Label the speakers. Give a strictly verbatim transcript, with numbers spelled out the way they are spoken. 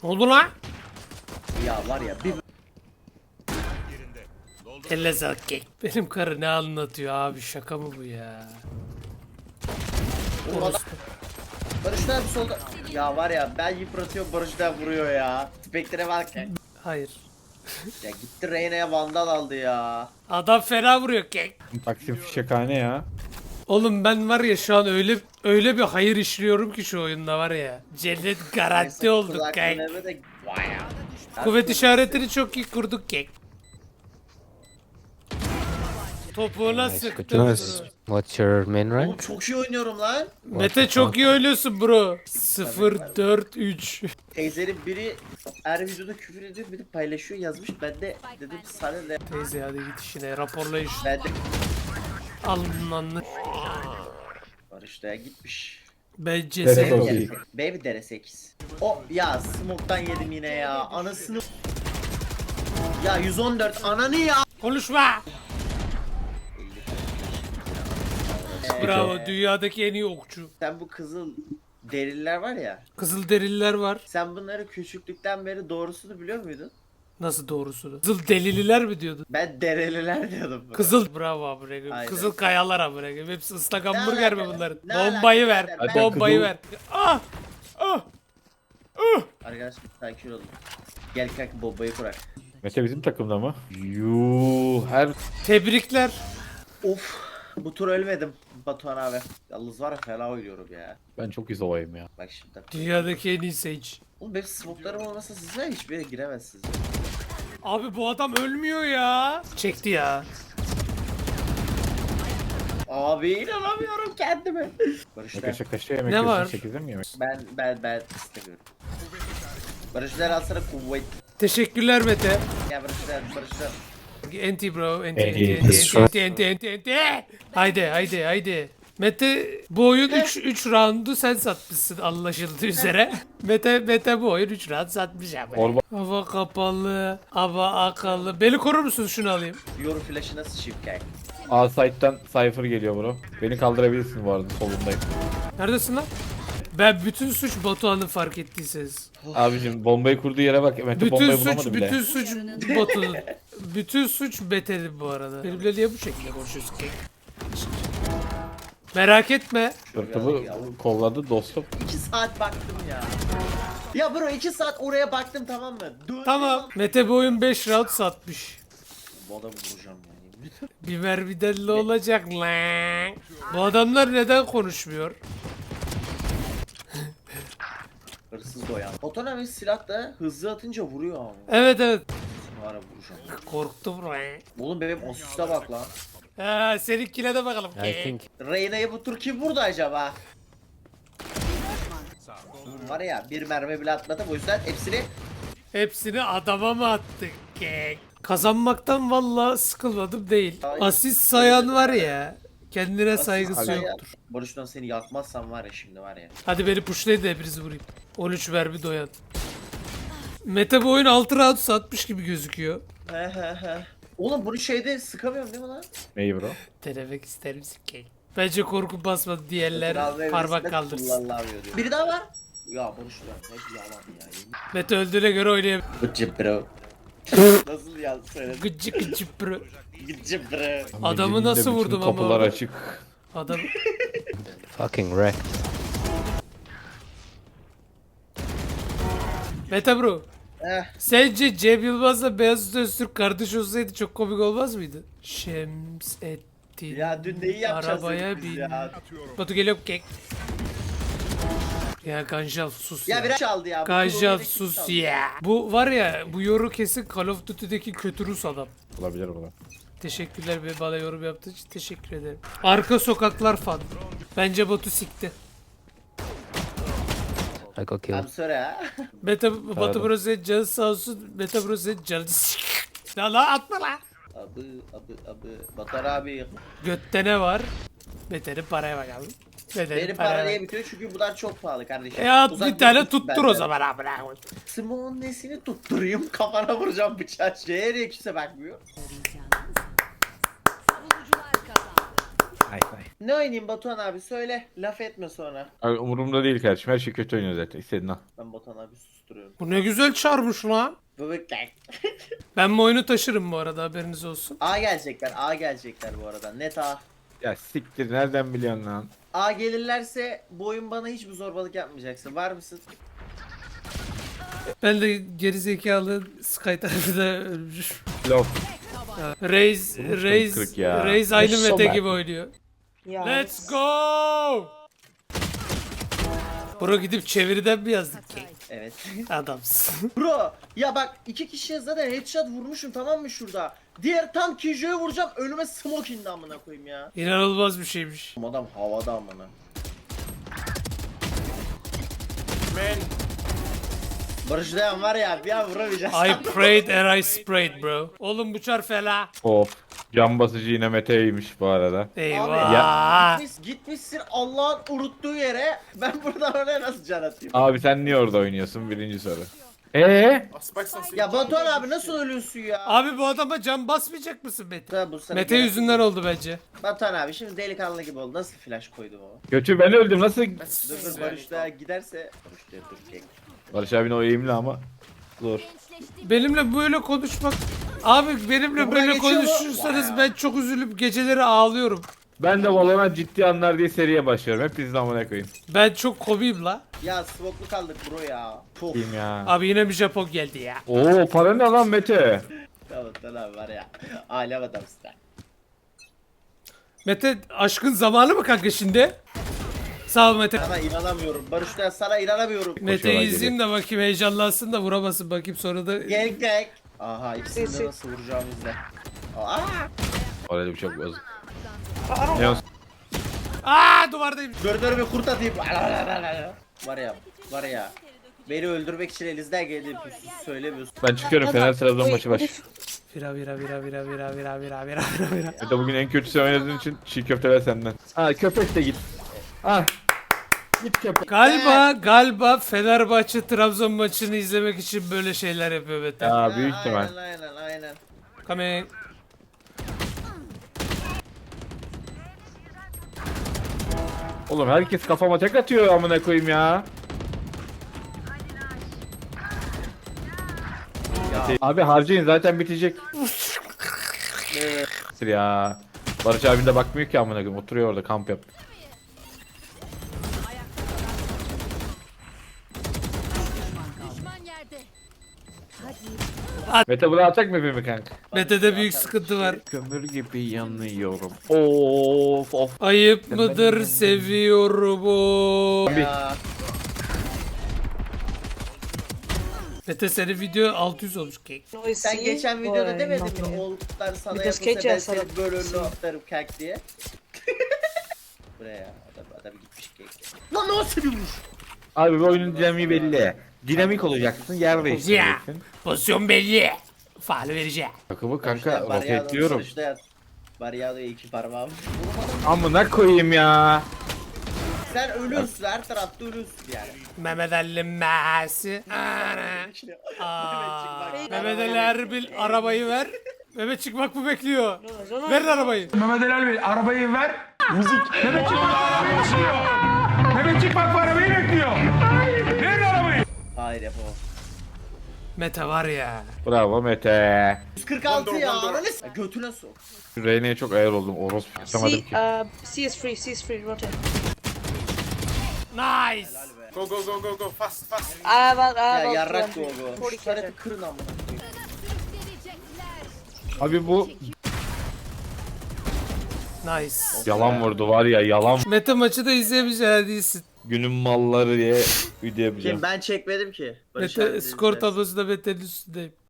Speaker 1: Ne oldu lan?
Speaker 2: Ya var ya bir
Speaker 1: Elle sağlık kek. Benim karı ne anlatıyor abi, şaka mı bu ya?
Speaker 2: Adam- Barış da bir solda. Ya var ya ben yıpratıyorum, Barış da vuruyor ya. Spectre bak.
Speaker 1: Hayır.
Speaker 2: Ya gitti Reyna'ya vandal aldı ya.
Speaker 1: Adam fena vuruyor kek.
Speaker 3: Taksim fişekhane ya.
Speaker 1: Oğlum ben var ya şu an öyle öyle bir hayır işliyorum ki şu oyunda var ya. Cennet garanti olduk
Speaker 2: Kulak
Speaker 1: kek.
Speaker 2: dinleme de- Vay ya.
Speaker 1: Kuvvet işaretini çok iyi kurduk kek. Topuğuna
Speaker 4: Nice, good
Speaker 1: sıktım.
Speaker 4: nice. What's your main
Speaker 2: Oğlum
Speaker 4: rank?
Speaker 2: çok iyi oynuyorum lan.
Speaker 1: Mete çok iyi oynuyorsun bro. sıfır dört üç.
Speaker 2: Teyzenin biri her videoda küfür ediyor, bir de paylaşıyor yazmış. Ben de dedim sana de.
Speaker 1: Teyze hadi git işine, raporla iş.
Speaker 2: Ben de
Speaker 1: Alın lan.
Speaker 2: Barış da gitmiş.
Speaker 1: Bence
Speaker 3: Dere
Speaker 1: sen.
Speaker 3: Çok
Speaker 2: Baby
Speaker 3: iyi.
Speaker 2: Baby dere sekiz. O ya smoke'tan yedim yine ya. Anasını. Ya yüz on dört ananı ya.
Speaker 1: Konuşma. Bravo, dünyadaki en iyi okçu.
Speaker 2: Sen bu kızıl derililer var ya.
Speaker 1: Kızılderililer var.
Speaker 2: Sen bunları küçüklükten beri doğrusunu biliyor muydun?
Speaker 1: Nasıl doğrusunu? Kızıl delililer mi diyordun?
Speaker 2: Ben dereliler diyordum. buna.
Speaker 1: Kızıl bravo abi.
Speaker 2: Aynen.
Speaker 1: Kızıl kayalar abi. Hepsi ıslak
Speaker 2: Ne
Speaker 1: hamburger mi
Speaker 2: alaka?
Speaker 1: bunların?
Speaker 2: Ne
Speaker 1: Bombayı
Speaker 2: alaka
Speaker 1: ver.
Speaker 2: birader?
Speaker 3: Ben-
Speaker 1: Bombayı
Speaker 3: Kızıl-
Speaker 1: ver. Ah! Ah!
Speaker 2: Arkadaşlar sakin olun. Gel kanka bombayı kurak.
Speaker 3: Mete bizim takımda mı? Yuuu her
Speaker 1: Tebrikler.
Speaker 2: Of. Bu tur ölmedim Batuhan abi. Yalnız var ya fena oynuyorum ya.
Speaker 3: ben çok izolayım ya.
Speaker 2: Bak şimdi.
Speaker 1: Dünyadaki en iyi Sage.
Speaker 2: Oğlum benim smoke'larım olmasa sizler hiçbir yere giremezsiniz.
Speaker 1: Abi bu adam ölmüyor ya. Çekti ya.
Speaker 2: Abi inanamıyorum kendime. Barışlar.
Speaker 3: Kaşa kaşa yemek
Speaker 1: Ne
Speaker 3: yiyorsun,
Speaker 1: var?
Speaker 3: sekizde mi yemek?
Speaker 2: Ben ben ben istemiyorum. Barışlar alsana kuvvet.
Speaker 1: Teşekkürler Mete.
Speaker 2: Gel Barışlar Barışlar.
Speaker 1: Enti bro. Enti
Speaker 3: Enti,
Speaker 1: enti enti
Speaker 4: enti,
Speaker 1: enti enti enti enti. Haydi haydi haydi. Mete bu oyun üç üç roundu sen satmışsın anlaşıldığı üzere. Mete Mete bu oyun üç round satmış abi.
Speaker 3: Orba
Speaker 1: Hava kapalı, hava akalı. Beni korur musun, şunu alayım?
Speaker 2: Yorum flash'ına sıçayım kanka.
Speaker 3: A site'den Cypher geliyor bro. Beni kaldırabilirsin bu arada, solundayım.
Speaker 1: Neredesin lan? Ben bütün suç Batuhan'ın, fark ettiyseniz.
Speaker 3: Abicim bombayı kurduğu yere bak. Mete
Speaker 1: Bütün
Speaker 3: bombayı
Speaker 1: suç,
Speaker 3: bulamadı bile.
Speaker 1: bütün suç Batu'nun. Bütün suç Betel'in bu arada. Benimle niye bu şekilde konuşuyorsun ki? Merak etme.
Speaker 3: Sırtımı kolladı dostum.
Speaker 2: iki saat baktım ya. Ya bro iki saat oraya baktım tamam mı? Dön
Speaker 1: Tamam. Mete bu oyun beş round satmış.
Speaker 2: Bu adamı vuracağım yani.
Speaker 1: Bir mermiden ne olacak lan? Bu adamlar neden konuşmuyor?
Speaker 2: Hırsız doyan. Oton abi silah da hızlı atınca vuruyor ama.
Speaker 1: Evet evet.
Speaker 2: Şimdi ara vuracağım.
Speaker 1: Korktum lan.
Speaker 2: Oğlum benim asiste bak lan.
Speaker 1: Ha, seninkine de bakalım.
Speaker 4: I think
Speaker 2: Reyna'yı bu tur kim vurdu acaba? Var ya bir mermi bile atmadım o yüzden hepsini
Speaker 1: Hepsini adama mı attık kek? Kazanmaktan vallahi sıkılmadım değil. Asist sayan var ya, kendine saygısı
Speaker 2: Asist-
Speaker 1: yoktur.
Speaker 2: Barış'tan seni yakmazsam var ya şimdi var ya.
Speaker 1: Hadi beni pushlayın da hepinizi vurayım. on üç verbi doyan. Mete bu oyun altı round satmış gibi gözüküyor.
Speaker 2: He he he. Oğlum bunu şeyde sıkamıyorum değil mi lan?
Speaker 3: Neyi bro?
Speaker 1: Denemek ister misin kek? Bence korku basmadı, diğerler
Speaker 2: Biraz
Speaker 1: parmak
Speaker 2: evresinde
Speaker 1: kaldırsın.
Speaker 2: kullanılamıyor diyor. Biri daha var. Ya Barış'tan hep yalan ya.
Speaker 1: Mete öldüğüne göre oynayabilir.
Speaker 2: Gıcı bro. Nasıl ya söyledin?
Speaker 1: Gıcı gıcı bro.
Speaker 2: Gıcı bro.
Speaker 1: Adamı
Speaker 3: Mece'nin de
Speaker 1: nasıl
Speaker 3: bütün
Speaker 1: vurdum ama
Speaker 3: Kapılar
Speaker 1: orada?
Speaker 3: açık.
Speaker 1: Adam
Speaker 4: fucking wrecked.
Speaker 1: Mete bro.
Speaker 2: Eh.
Speaker 1: Sence Cem Yılmaz'la Beyazıt Öztürk kardeş olsaydı çok komik olmaz mıydı? Şemsettin.
Speaker 2: Ya dün neyi yapacağız
Speaker 1: Arabaya
Speaker 2: biz
Speaker 1: bin.
Speaker 2: ya?
Speaker 1: Batu geliyor kek. Ya Ganjal sus ya.
Speaker 2: Ya biraz çaldı ya. bu
Speaker 1: Ganjal
Speaker 2: tur
Speaker 1: sus
Speaker 2: çaldı.
Speaker 1: ya. Bu var ya, bu yoru kesin Call of Duty'deki kötü Rus adam.
Speaker 3: Olabilir bu da.
Speaker 1: Teşekkürler be, bana yorum yaptığı için teşekkür ederim. Arka sokaklar fan. Bence Batu sikti.
Speaker 4: I got killed.
Speaker 2: I'm sorry ha.
Speaker 1: Meta Batu
Speaker 3: Pardon.
Speaker 1: Bro senin canı sağ olsun. Meta Bro senin canı sik. Ya la atma la.
Speaker 2: Abi abi abi. Batar abi.
Speaker 1: Götte ne var? Mete'nin paraya bakalım. Mete'nin
Speaker 2: Benim
Speaker 1: paraya
Speaker 2: para niye
Speaker 1: bak.
Speaker 2: bitiyor çünkü bunlar çok pahalı kardeşim.
Speaker 1: E at
Speaker 2: Uzak
Speaker 1: bir tane
Speaker 2: durun
Speaker 1: tuttur
Speaker 2: benden.
Speaker 1: o zaman abi.
Speaker 2: Simon nesini tutturayım kafana vuracağım bıçağı. Şeye niye kimse bakmıyor?
Speaker 5: Savunucular kazandı.
Speaker 3: Ay ay.
Speaker 2: Ne oynayayım Batuhan abi söyle. Laf etme sonra.
Speaker 3: Abi umurumda değil kardeşim. Her şey kötü oynuyor zaten. İstediğin al.
Speaker 2: Ben Batuhan abi susturuyorum.
Speaker 1: Bu ne güzel çarmış lan.
Speaker 2: Bebekler.
Speaker 1: Ben bu oyunu taşırım bu arada, haberiniz olsun.
Speaker 2: A gelecekler. A gelecekler bu arada. Net A.
Speaker 3: Ya siktir nereden biliyorsun lan?
Speaker 2: A gelirlerse bu oyun bana hiçbir zorbalık yapmayacaksın. Var mısın?
Speaker 1: Ben de gerizekalı Sky tarafında ölmüş.
Speaker 3: Love.
Speaker 1: Reis,
Speaker 3: Vurmuştum
Speaker 1: Reis,
Speaker 3: kırk ya.
Speaker 1: Reis aynı
Speaker 5: So
Speaker 1: meta
Speaker 5: bad.
Speaker 1: gibi oynuyor.
Speaker 5: Yeah.
Speaker 1: Let's go! Bro gidip çeviriden mi yazdık ki?
Speaker 2: Evet.
Speaker 1: Adamsın.
Speaker 2: Bro ya bak iki kişiye zaten headshot vurmuşum tamam mı şurada? Diğer tam Kijo'ya vuracağım önüme smoke indi amına koyayım ya.
Speaker 1: İnanılmaz bir şeymiş.
Speaker 2: Adam havada amına. Barış Dayan var ya bir an vuramayacağız.
Speaker 1: I prayed and I sprayed bro. Oğlum bu çar fela.
Speaker 3: Of. Can basıcı yine Mete'ymiş bu arada.
Speaker 1: Eyvah.
Speaker 2: Gitmiş, gitmişsin Allah'ın unuttuğu yere ben buradan oraya nasıl can atayım?
Speaker 3: Abi sen niye orada oynuyorsun? Birinci soru. Eee?
Speaker 2: Ya Batuhan abi nasıl ölüyorsun ya?
Speaker 1: Abi bu adama can basmayacak mısın Mete?
Speaker 2: Tabii bu sana
Speaker 1: Mete
Speaker 2: gerek-
Speaker 1: yüzünden oldu bence.
Speaker 2: Batuhan abi şimdi delikanlı gibi oldu. Nasıl flash koydum o?
Speaker 3: Kötü ben öldüm nasıl?
Speaker 2: Dur dur Barış Dayan giderse. Barış Dayan dur çek.
Speaker 3: Barış abinin o eğimli ama. Zor.
Speaker 1: Benimle böyle konuşmak... Abi benimle
Speaker 2: Buraya
Speaker 1: böyle
Speaker 2: geçiyor mu?
Speaker 1: konuşursanız
Speaker 2: Vay.
Speaker 1: ben çok üzülüp geceleri ağlıyorum.
Speaker 3: Ben de Valorant ciddi anlar diye seriye başlıyorum. Hep bizden amına koyayım.
Speaker 1: Ben çok komiyim la.
Speaker 2: Ya smoke'lu kaldık bro ya. Puh.
Speaker 3: Diyeyim ya.
Speaker 1: Abi yine bir Japon geldi ya.
Speaker 3: Oo para ne lan Mete?
Speaker 2: Tamam tamam var ya. Alem adamsın sen.
Speaker 1: Mete aşkın zamanı mı kanka şimdi? Sağ ol Mete.
Speaker 2: Sana inanamıyorum. Barış Dayan sana inanamıyorum.
Speaker 1: Mete'yi
Speaker 3: Koşuyorlar
Speaker 1: izleyeyim de bakayım, heyecanlansın da vuramasın bakayım sonra da...
Speaker 2: Gel gel. Aha ikisini de nasıl vuracağımı izle. Aa!
Speaker 3: Orada bir çok bozuk. Ne olsun?
Speaker 1: Aa duvardayım.
Speaker 2: Dur dur bir kurt atayım. Var ya var ya. Beni öldürmek için elinizden geldiği söylemiyorsun.
Speaker 3: Ben çıkıyorum Fener Trabzon maçı baş.
Speaker 1: Vira vira vira vira vira vira vira vira vira vira.
Speaker 3: Mete bugün en kötüsü oynadığın için çiğ köfteler senden. Ha köpek de git. Ah. Git köpek.
Speaker 1: Galiba galiba Fenerbahçe Trabzon maçını izlemek için böyle şeyler yapıyor Mete.
Speaker 3: Ya büyük ihtimal.
Speaker 2: Aynen aynen aynen.
Speaker 1: Coming.
Speaker 3: Oğlum herkes kafama tek atıyor amına koyayım ya. Abi harcayın zaten bitecek.
Speaker 2: Ee,
Speaker 3: Ya. Barış abin de bakmıyor ki amına koyayım. Oturuyor orada kamp yap.
Speaker 6: Düşman yerde.
Speaker 3: Mete bunu atacak mı bir kanka?
Speaker 1: Mete'de büyük sıkıntı var.
Speaker 3: Kömür gibi yanıyorum. Of of.
Speaker 1: Ayıp mıdır seviyorum o.
Speaker 2: ya.
Speaker 1: Mete senin video altı yüz olmuş kek.
Speaker 2: Sen geçen videoda demedin mi? Oğluklar sana
Speaker 5: Because
Speaker 2: yapılsa ben
Speaker 5: Kate
Speaker 2: seni
Speaker 5: sana-
Speaker 2: böyle önüne atarım kek diye. Buraya adam, adam gitmiş kek. Lan nasıl bir vuruş?
Speaker 3: Abi bu oyunun dinamiği belli. Dinamik olacaksın, yer değiştireceksin.
Speaker 1: Pozisyon belli. Faal vereceğim.
Speaker 3: Takımı kanka
Speaker 2: Barış'ta
Speaker 3: roketliyorum.
Speaker 2: Barış'ta yat. Baryado'ya iki parmağım.
Speaker 3: Amına koyayım ya.
Speaker 2: Sen ölüyorsun her tarafta ölüyorsun yani.
Speaker 1: Mehmet Ali Messi. Ana. Aa, Mehmet Ali Erbil arabayı ver. Mehmet çıkmak mı bekliyor? Verin arabayı.
Speaker 7: Mehmet Ali Bey arabayı ver. Müzik. Mehmet çıkmak arabayı bekliyor. Mehmet çıkmak arabayı bekliyor. Verin arabayı.
Speaker 2: Hayır yapamam.
Speaker 1: Mete var ya.
Speaker 3: Bravo Mete.
Speaker 2: yüz kırk altı ya ananı s- Götüne sok.
Speaker 3: Şu Reyne'ye çok ayar oldum. Orospu yapamadım
Speaker 5: C,
Speaker 3: ki.
Speaker 5: uh, C is free, C is free, rotate.
Speaker 1: Nice.
Speaker 7: Go go go go go fast fast.
Speaker 5: I have, I
Speaker 2: Ya
Speaker 5: have
Speaker 2: yarrak
Speaker 5: about
Speaker 2: bu bu.
Speaker 5: forty
Speaker 2: Şu tarafı
Speaker 5: k.
Speaker 2: kırın amına koyayım.
Speaker 6: Verecekler.
Speaker 3: Abi bu
Speaker 1: Nice.
Speaker 3: yalan vurdu var ya yalan.
Speaker 1: Mete maçı da izleyemeyeceğin değilsin.
Speaker 3: Günün malları diye video yapacağım.
Speaker 2: Kim ben çekmedim ki. Barış
Speaker 1: Mete
Speaker 2: abi
Speaker 1: skor
Speaker 2: izler.
Speaker 1: tablosunda Mete'nin üstündeyim.